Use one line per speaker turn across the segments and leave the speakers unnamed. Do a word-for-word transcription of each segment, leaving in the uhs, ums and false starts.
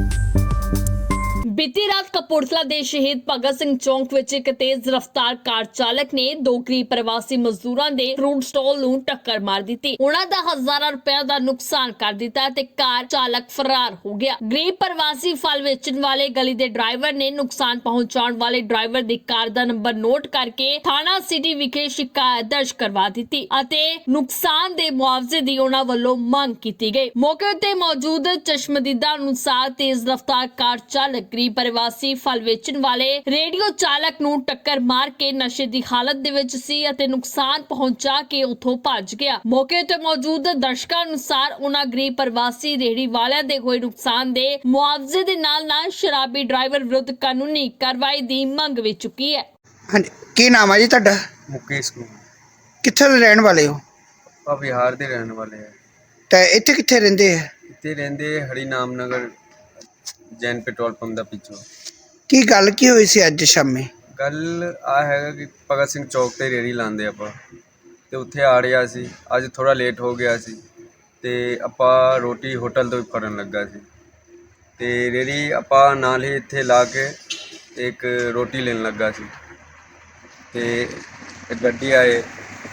बीती रात कपूरथला ਦੇ ਸ਼ਹੀਦ ਭਗਤ ਸਿੰਘ ਚੌਂਕ ਵਿੱਚ ਇੱਕ ਤੇਜ਼ ਰਫ਼ਤਾਰ ਕਾਰ ਚਾਲਕ ਨੇ ਦੋ ਗਰੀਬ ਪ੍ਰਵਾਸੀ ਮਜ਼ਦੂਰਾਂ ਦੇ ਫਰੂਟ ਸਟਾਲ ਨੂੰ ਟੱਕਰ ਮਾਰ ਦਿੱਤੀ। ਉਹਨਾਂ ਦਾ ਹਜ਼ਾਰਾਂ ਰੁਪਏ ਦਾ ਨੁਕਸਾਨ ਕਰ ਦਿੱਤਾ ਤੇ ਕਾਰ ਚਾਲਕ ਫਰਾਰ ਹੋ ਗਿਆ। ਗਰੀਬ ਪ੍ਰਵਾਸੀ ਫਲ ਵੇਚਣ ਵਾਲੇ ਗਲੀ ਦੇ ਡਰਾਈਵਰ ਨੇ ਨੁਕਸਾਨ ਪਹੁੰਚਾਉਣ ਵਾਲੇ ਡਰਾਈਵਰ ਦੀ ਕਾਰ ਦਾ ਨੰਬਰ ਨੋਟ ਕਰਕੇ ਥਾਣਾ ਸਿਟੀ ਵਿਖੇ ਸ਼ਿਕਾਇਤ ਦਰਜ ਕਰਵਾ ਦਿੱਤੀ ਅਤੇ ਨੁਕਸਾਨ ਦੇ ਮੁਆਵਜ਼ੇ ਦੀ ਉਹਨਾਂ ਵੱਲੋਂ ਮੰਗ ਕੀਤੀ ਗਈ। ਮੌਕੇ ਤੇ ਮੌਜੂਦ ਚਸ਼ਮਦੀਦਾਂ ਅਨੁਸਾਰ ਤੇਜ਼ ਰਫ਼ਤਾਰ ਕਾਰ ਚਾਲਕ ਗਰੀਬ ਪ੍ਰਵਾਸੀ ਫਲ ਵੇਚਣ ਵਾਲੇ ਰੇਡੀਓ ਚਾਲਕ ਨੂੰ ਟੱਕਰ ਮਾਰ ਕੇ ਨਸ਼ੇ ਦੀ ਹਾਲਤ ਦੇ ਵਿੱਚ ਸੀ ਅਤੇ ਨੁਕਸਾਨ ਪਹੁੰਚਾ ਕੇ ਉੱਥੋਂ ਭੱਜ ਗਿਆ। ਮੌਕੇ ਤੇ ਮੌਜੂਦ ਦਰਸ਼ਕਾਂ ਅਨੁਸਾਰ ਉਹਨਾਂ ਗਰੀਬ ਪ੍ਰਵਾਸੀ ਰੇਹੜੀ ਵਾਲਿਆਂ ਦੇ ਹੋਏ ਨੁਕਸਾਨ ਦੇ ਮੁਆਵਜ਼ੇ ਦੇ ਨਾਲ ਨਾਲ ਸ਼ਰਾਬੀ ਡਰਾਈਵਰ ਵਿਰੁੱਧ ਕਾਨੂੰਨੀ ਕਾਰਵਾਈ ਦੀ ਮੰਗ ਵੀ ਚੁੱਕੀ ਹੈ।
ਹਾਂਜੀ, ਕੀ ਨਾਮ ਹੈ ਜੀ ਤੁਹਾਡਾ?
ਮੁਕੇਸ਼ ਕੁਮਾਰ।
ਕਿੱਥੇ ਦੇ ਰਹਿਣ ਵਾਲੇ ਹੋ?
ਆਪਾਂ ਬਿਹਾਰ ਦੇ ਰਹਿਣ ਵਾਲੇ ਆ।
ਤੇ ਇੱਥੇ ਕਿੱਥੇ ਰਹਿੰਦੇ ਆ?
ਇੱਥੇ ਰਹਿੰਦੇ ਹਰੀ ਨਾਮ ਨਗਰ ਜੈਨ ਪੈਟਰੋਲ ਪੰਪ ਦਾ ਪਿੱਛੋਂ।
ਕੀ ਗੱਲ ਕੀ ਹੋਈ ਸੀ ਅੱਜ ਸ਼ਾਮੇ?
ਗੱਲ ਆ ਹੈਗਾ ਕਿ ਭਗਤ ਸਿੰਘ ਚੌਕ ਤੇ ਰੇੜੀ ਲਾਉਂਦੇ ਆਪਾਂ ਤੇ ਉੱਥੇ ਆ ਰਿਹਾ ਸੀ। ਅੱਜ ਥੋੜਾ ਲੇਟ ਹੋ ਗਿਆ ਸੀ ਤੇ ਆਪਾਂ ਰੋਟੀ ਹੋਟਲ ਤੋਂ ਫੜਨ ਲੱਗਾ ਸੀ ਤੇ ਰੇੜੀ ਆਪਾਂ ਨਾਲ ਹੀ ਇੱਥੇ ਲਾ ਕੇ ਇੱਕ ਰੋਟੀ ਲੈਣ ਲੱਗਾ ਸੀ ਤੇ ਗੱਡੀ ਆਏ।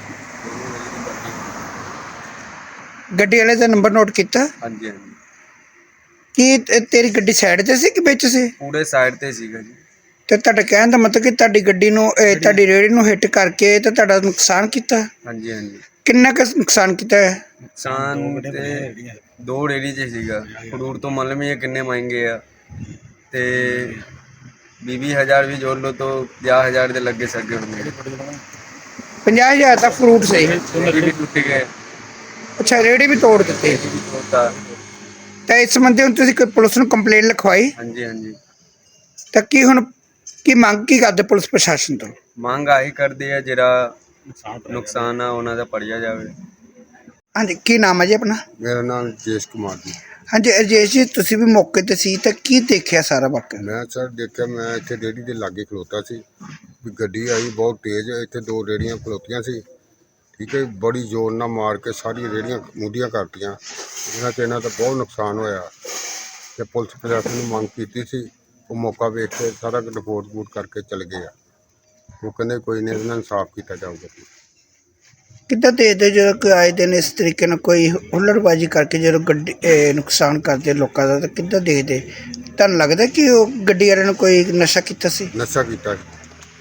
ਗੱਡੀ ਵਾਲੇ ਦਾ ਨੰਬਰ ਨੋਟ ਕੀਤਾ?
ਹਾਂਜੀ ਹਾਂਜੀ।
ਕੀ ਤੇ- ਤੇਰੀ ਗੱਡੀ ਸਾਈਡ ਤੇ ਸੀ ਕਿ ਵਿੱਚ ਸੀ?
ਪੂਰੇ ਸਾਈਡ ਤੇ ਸੀਗਾ ਜੀ।
ਤੇ ਤੁਹਾਡਾ ਕਹਿਣ ਦਾ ਮਤਲਬ ਕਿ ਤੁਹਾਡੀ ਗੱਡੀ ਨੂੰ ਇਹ ਤੁਹਾਡੀ ਰੇੜੀ ਨੂੰ ਹਿੱਟ ਕਰਕੇ ਤੇ ਤੁਹਾਡਾ ਨੁਕਸਾਨ ਕੀਤਾ?
ਹਾਂਜੀ ਹਾਂਜੀ।
ਕਿੰਨਾ ਕੁ ਨੁਕਸਾਨ ਕੀਤਾ ਹੈ?
ਨੁਕਸਾਨ ਤੇ ਦੋ ਰੇੜੀ 'ਚ ਸੀਗਾ। ਫਰੂਟ ਤੋਂ ਮੰਨ ਲਈਏ ਕਿੰਨੇ ਮਹਿੰਗੇ ਆ ਤੇ ਵੀਹ ਵੀਹ ਹਜ਼ਾਰ ਵੀ ਜੋੜ ਲਓ ਤਾਂ ਪੰਜਾਹ ਹਜ਼ਾਰ ਦੇ ਲੱਗੇ ਸਕੇ ਹੋਣਗੇ।
ਪੰਜਾਹ ਹਜ਼ਾਰ ਦਾ ਫਰੂਟ ਸੀ?
ਰੇੜੀ ਵੀ ਟੁੱਟ ਗਏ।
ਅੱਛਾ, ਰੇੜੀ ਵੀ ਤੋੜ ਦਿੱਤੀ।
ਤੋਤਾ।
ਤਾਂ ਇਸ ਸੰਬੰਧੀ ਹੁਣ ਤੁਸੀਂ ਕੋਈ ਪੁਲਿਸ ਨੂੰ ਕੰਪਲੇਂਟ ਲਿਖਵਾਈ?
ਹਾਂਜੀ ਹਾਂਜੀ।
ਤਾਂ ਕੀ ਹੁਣ ਕੀ ਮੰਗ ਕੀ ਕਰਦੇ ਪੁਲਿਸ ਪ੍ਰਸ਼ਾਸਨ ਤੋਂ?
ਮੰਗ ਆਹੀ ਕਰਦੇ ਆ ਜਿਹੜਾ ਨੁਕਸਾਨ ਆ ਉਹਨਾਂ ਦਾ ਭਰਿਆ ਜਾਵੇ।
ਹਾਂਜੀ, ਕੀ ਨਾਮ ਹੈ ਜੀ ਆਪਣਾ?
ਮੇਰਾ ਨਾਮ ਰਜੇਸ਼ ਕੁਮਾਰ ਜੀ।
ਹਾਂਜੀ ਰਜੇਸ਼ ਜੀ, ਤੁਸੀਂ ਵੀ ਮੌਕੇ ਤੇ ਸੀ ਤਾਂ ਕੀ ਦੇਖਿਆ ਸਾਰਾ ਵਾਕਿਆ?
ਮੈਂ ਸਰ ਦੇਖਿਆ, ਮੈਂ ਇੱਥੇ ਰੇਹੜੀ ਦੇ ਲਾਗੇ ਖਲੋਤਾ ਸੀ ਵੀ ਗੱਡੀ ਆਈ ਬਹੁਤ ਤੇਜ਼। ਇੱਥੇ ਦੋ ਰੇਹੜੀਆਂ ਖਲੋਤੀਆਂ ਸੀ, ਠੀਕ ਹੈ। ਬੜੀ ਜ਼ੋਰ ਨਾਲ ਮਾਰ ਕੇ ਸਾਰੀਆਂ ਰੇਹੜੀਆਂ ਮੁੱਦੀਆਂ ਕਰਤੀਆਂ, ਜਿਹਨਾਂ 'ਚ ਇਹਨਾਂ ਦਾ ਬਹੁਤ ਨੁਕਸਾਨ ਹੋਇਆ ਤੇ ਪੁਲਿਸ ਪ੍ਰਸ਼ਾਸਨ ਨੂੰ ਮੰਗ ਕੀਤੀ ਸੀ। ਉਹ ਮੌਕਾ ਵੇਖ ਕੇ ਸਾਰਾ ਰਿਪੋਰਟ ਰਪੂਟ ਕਰਕੇ ਚਲੇ ਗਏ ਆ। ਉਹ ਕਹਿੰਦੇ ਕੋਈ ਨਹੀਂ, ਇਹਨਾਂ ਨੂੰ ਇਨਸਾਫ ਕੀਤਾ ਜਾਊਗਾ।
ਕਿੱਦਾਂ ਦੇਖਦੇ ਜਦੋਂ ਕੋਈ ਆਏ ਦਿਨ ਇਸ ਤਰੀਕੇ ਨਾਲ ਕੋਈ ਹੁੱਲੜਬਾਜ਼ੀ ਕਰਕੇ ਜਦੋਂ ਗੱਡੀ ਇਹ ਨੁਕਸਾਨ ਕਰਦੇ ਲੋਕਾਂ ਦਾ, ਤਾਂ ਕਿੱਦਾਂ ਦੇਖਦੇ? ਤੁਹਾਨੂੰ ਲੱਗਦਾ ਕਿ ਉਹ ਗੱਡੀ ਵਾਲਿਆਂ ਨੇ ਕੋਈ ਨਸ਼ਾ ਕੀਤਾ ਸੀ?
ਨਸ਼ਾ ਕੀਤਾ ਸੀ।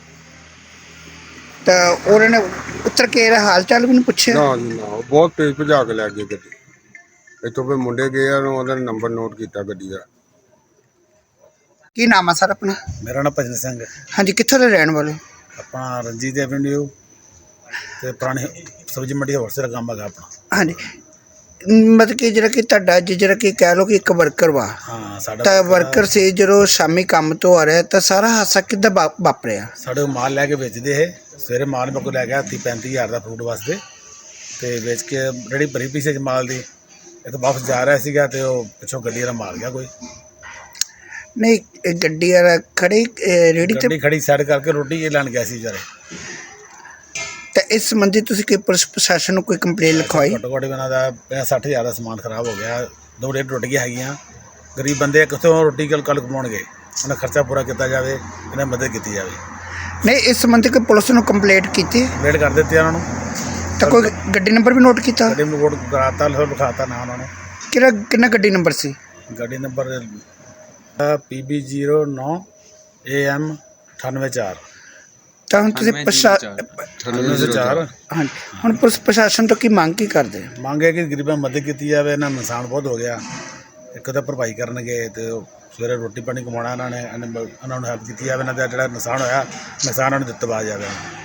ਤਾਂ ਉਹਨਾਂ ਨੇ ਉੱਤਰ ਕੇ ਇਹਦਾ ਹਾਲ ਚਾਲ ਵੀ ਨਹੀਂ ਪੁੱਛਿਆ?
ਨਾ ਜੀ ਨਾ, ਉਹ ਬਹੁਤ ਤੇਜ਼ ਭਜਾ ਕੇ ਲੈ ਗਏ ਗੱਡੀ। ਇੱਥੋਂ ਫਿਰ ਮੁੰਡੇ ਗਏ ਆ, ਉਹਦਾ ਨੰਬਰ ਨੋਟ ਕੀਤਾ ਗੱਡੀ ਦਾ।
ਕੀ ਨਾਮ ਆ ਸਰ ਆਪਣਾ?
ਮੇਰਾ ਨਾਮ ਭਜਨ ਸਿੰਘ ਹੈ।
ਹਾਂਜੀ, ਕਿੱਥੋਂ ਦੇ ਰਹਿਣ ਵਾਲੇ?
ਆਪਣਾ ਰਣਜੀਤ ਐਵਨਿਊ ਤੇ ਪੁਰਾਣੀ ਸਬਜ਼ੀ ਮੰਡੀ ਦਾ ਹੋਲਸੇਲ ਕੰਮ ਹੈਗਾ ਆਪਣਾ।
ਹਾਂਜੀ, ਮਤਲਬ ਕਿ ਜਿਹੜਾ ਕਿ ਤੁਹਾਡਾ ਜਿਹੜਾ ਕਿ ਕਹਿ ਲਓ ਕਿ ਇੱਕ ਵਰਕਰ ਵਾ,
ਹਾਂ ਸਾਡਾ
ਤਾਂ ਵਰਕਰ ਸੀ ਜਦੋਂ ਸ਼ਾਮੀ ਕੰਮ ਤੋਂ ਆ ਰਿਹਾ ਤਾਂ ਸਾਰਾ ਹਾਦਸਾ ਕਿੱਦਾਂ ਵਾ- ਵਾਪਰਿਆ?
ਸਾਡੇ ਕੋਲ ਮਾਲ ਲੈ ਕੇ ਵੇਚਦੇ ਇਹ। ਸਵੇਰੇ ਮਾਲ ਮੇਰੇ ਕੋਲ ਲੈ ਗਿਆ ਤੀਹ ਪੈਂਤੀ ਹਜ਼ਾਰ ਦਾ ਫਰੂਟ ਵਾਸਤੇ ਤੇ ਵੇਚ ਕੇ ਰੇਹੜੀ ਭਰੀ ਪਈ ਸੀ ਮਾਲ ਦੀ। ਇਹ ਤਾਂ ਵਾਪਸ ਜਾ ਰਿਹਾ ਸੀਗਾ ਤੇ ਉਹ ਪਿੱਛੋਂ ਗੱਡੀ ਵਾਲਾ ਮਾਰ ਗਿਆ ਕੋਈ।
ਨਹੀਂ, ਇਹ ਗੱਡੀ ਵਾਲਾ ਖੜੀ ਇਹ ਰੇਹੜੀ ਤੇ,
ਗੱਡੀ ਖੜੀ ਸਾਈਡ ਕਰਕੇ ਰੋਟੀ ਇਹ ਲੈਣ ਗਿਆ ਸੀ ਵਿਚਾਰੇ।
ਤਾਂ ਇਸ ਸੰਬੰਧੀ ਤੁਸੀਂ ਕੋਈ ਪੁਲਿਸ ਪ੍ਰਸ਼ਾਸਨ ਨੂੰ ਕੋਈ ਕੰਪਲੇਂਟ ਲਿਖਵਾਈ?
ਘੱਟੋ ਘੱਟ ਇਹਨਾਂ ਦਾ ਪੰਜਾਹ ਸੱਠ ਹਜ਼ਾਰ ਦਾ ਸਮਾਨ ਖਰਾਬ ਹੋ ਗਿਆ। ਦੋ ਰੇਟ ਟੁੱਟ ਗਈਆਂ ਹੈਗੀਆਂ। ਗਰੀਬ ਬੰਦੇ ਕਿੱਥੋਂ ਰੋਟੀ ਕੱਲ ਕੱਲ ਕਮਾਉਣਗੇ? ਉਹਨਾਂ ਖਰਚਾ ਪੂਰਾ ਕੀਤਾ ਜਾਵੇ, ਇਹਨਾਂ ਦੀ ਮਦਦ ਕੀਤੀ ਜਾਵੇ।
ਨਹੀਂ, ਇਸ ਸੰਬੰਧੀ ਕੋਈ ਪੁਲਿਸ ਨੂੰ ਕੰਪਲੇਂਟ ਕੀਤੀ?
ਵੇਟ ਕਰ ਦਿੱਤੇ ਉਹਨਾਂ ਨੂੰ।
ਤਾਂ ਕੋਈ ਗੱਡੀ ਨੰਬਰ ਵੀ ਨੋਟ ਕੀਤਾ?
ਗੱਡੀ ਨੂੰ ਕੋਡ ਕਰਾਤਾ, ਲਿਖਾਤਾ ਨਾ ਉਹਨਾਂ ਨੂੰ।
ਕਿਹੜਾ ਕਿੰਨਾ ਗੱਡੀ ਨੰਬਰ ਸੀ?
ਗੱਡੀ ਨੰਬਰ ਪੀ ਬੀ ਜ਼ੀਰੋ ਨੌ ਏ ਐਮ ਅਠਾਨਵੇਂ ਚਾਰ।
ਤਾਂ ਹੁਣ ਤੁਸੀਂ ਪ੍ਰਸ਼ਾ
ਅਠਾਨਵੇਂ ਸੌ ਚਾਰ।
ਹਾਂਜੀ, ਹੁਣ ਪੁਲਿਸ ਪ੍ਰਸ਼ਾਸਨ ਤੋਂ ਕੀ ਮੰਗ ਕੀ ਕਰਦੇ?
ਮੰਗ ਹੈ ਕਿ ਗਰੀਬਾਂ ਦੀ ਮਦਦ ਕੀਤੀ ਜਾਵੇ। ਇਹਨਾਂ ਨੂੰ ਨੁਕਸਾਨ ਬਹੁਤ ਹੋ ਗਿਆ। ਇੱਕ ਤਾਂ ਭਰਪਾਈ ਕਰਨਗੇ ਤੇ ਉਹ ਸਵੇਰੇ ਰੋਟੀ ਪਾਣੀ ਕਮਾਉਣਾ ਇਹਨਾਂ ਨੇ, ਇਹਨਾਂ ਨੂੰ ਹੈਲਪ ਕੀਤੀ ਜਾਵੇ। ਇਹਨਾਂ ਦਾ ਜਿਹੜਾ ਨੁਕਸਾਨ ਹੋਇਆ ਨੁਕਸਾਨ ਉਹਨਾਂ ਨੂੰ ਦਿੱਤਾ ਜਾਵੇ।